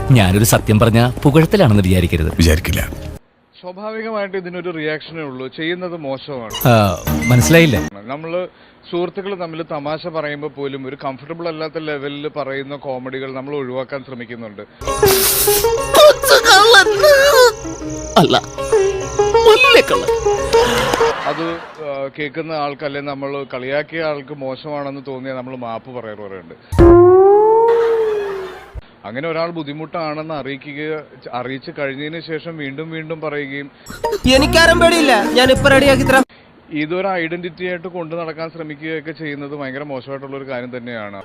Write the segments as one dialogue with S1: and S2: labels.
S1: ഞാനൊരു സത്യം പറഞ്ഞ പുകഴത്തിലാണെന്ന് വിചാരിക്കില്ല.
S2: സ്വാഭാവികമായിട്ട് ഇതിനൊരു റിയാക്ഷനേ ഉള്ളൂ. ചെയ്യുന്നത് മോശമാണ്.
S1: മനസ്സിലായില്ല.
S2: നമ്മള് സുഹൃത്തുക്കൾ തമ്മിൽ തമാശ പറയുമ്പോൾ പോലും ഒരു കംഫർട്ടബിൾ അല്ലാത്ത ലെവലിൽ പറയുന്ന കോമഡികൾ നമ്മൾ ഒഴിവാക്കാൻ ശ്രമിക്കുന്നുണ്ട്. അത് കേൾക്കുന്ന ആൾക്ക് അല്ലെങ്കിൽ നമ്മൾ കളിയാക്കിയ ആൾക്ക് മോശമാണെന്ന് തോന്നിയാൽ നമ്മൾ മാപ്പ് പറയാറുണ്ട്. അങ്ങനെ ഒരാൾ ബുദ്ധിമുട്ടാണെന്ന് അറിയിച്ചു കഴിഞ്ഞതിന് ശേഷം വീണ്ടും വീണ്ടും പറയുകയും
S3: എനിക്കാരും പേടിയില്ല, ഞാൻ ഇപ്പൊ റെഡിയാക്കി തരാം,
S2: ഇതൊരു ഐഡന്റിറ്റി ആയിട്ട് കൊണ്ടു നടക്കാൻ ശ്രമിക്കുകയൊക്കെ ചെയ്യുന്നത് ഭയങ്കര മോശമായിട്ടുള്ള ഒരു കാര്യം തന്നെയാണ്.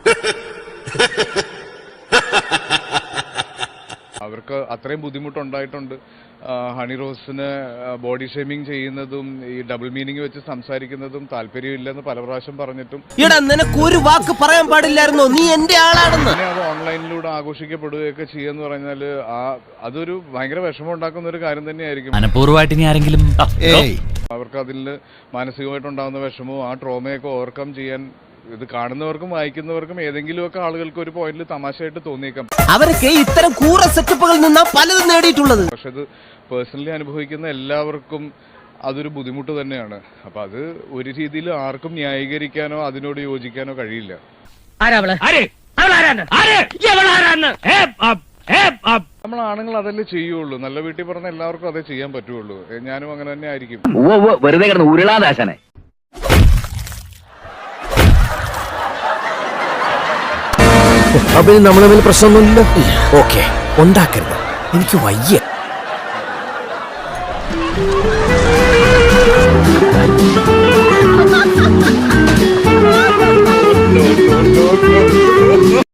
S2: അവർക്ക് അത്രയും ബുദ്ധിമുട്ടുണ്ടായിട്ടുണ്ട്. ഹണി റോസിന് ബോഡി ഷേമിങ് ചെയ്യുന്നതും ഈ ഡബിൾ മീനിങ് വെച്ച് സംസാരിക്കുന്നതും താല്പര്യമില്ലെന്ന് പല പ്രാവശ്യം പറഞ്ഞിട്ടും
S3: നിനക്ക് ഒരു വാക്ക് പറയാൻ പാടില്ലായിരുന്നോ, നീ എന്റെ ആളാണെന്ന്.
S2: പിന്നെ അത് ഓൺലൈനിലൂടെ ആഘോഷിക്കപ്പെടുകയൊക്കെ ചെയ്യാന്ന് പറഞ്ഞാല് അതൊരു ഭയങ്കര വിഷമം ഉണ്ടാക്കുന്ന ഒരു കാര്യം തന്നെയായിരിക്കും.
S1: മനഃപൂർവ്വമായിട്ട് ഇനി ആരെങ്കിലും
S2: അവർക്ക് അതിൽ മാനസികമായിട്ടുണ്ടാകുന്ന വിഷമവും ആ ട്രോമയൊക്കെ ഓവർകം ചെയ്യാൻ ഇത് കാണുന്നവർക്കും വായിക്കുന്നവർക്കും ഏതെങ്കിലുമൊക്കെ ആളുകൾക്ക് ഒരു പോയിന്റിൽ തമാശയായിട്ട് തോന്നിയേക്കാം.
S3: അവരൊക്കെ ഇത്തരം കൂറ സെറ്റപ്പുകളിൽ നിന്നാ പലതും നേടിയിട്ടുള്ളത്.
S2: പക്ഷെ അത് പേഴ്സണലി അനുഭവിക്കുന്ന എല്ലാവർക്കും അതൊരു ബുദ്ധിമുട്ട് തന്നെയാണ്. അപ്പൊ അത് ഒരു രീതിയിൽ ആർക്കും ന്യായീകരിക്കാനോ അതിനോട് യോജിക്കാനോ കഴിയില്ല. നമ്മൾ ആണുങ്ങൾ അതല്ലേ ചെയ്യുള്ളൂ. നല്ല വീട്ടിൽ പറഞ്ഞ എല്ലാവർക്കും അതേ ചെയ്യാൻ പറ്റുള്ളൂ. ഞാനും അങ്ങനെ തന്നെ ആയിരിക്കും.
S4: വെറുതെ കിടന്ന് ഉരുളാദാശനെ.
S5: അപ്പൊ നമ്മൾ തമ്മിൽ പ്രശ്നമൊന്നുമില്ല. ഓക്കെ, ഉണ്ടാക്കരുത്, എനിക്ക് വയ്യ.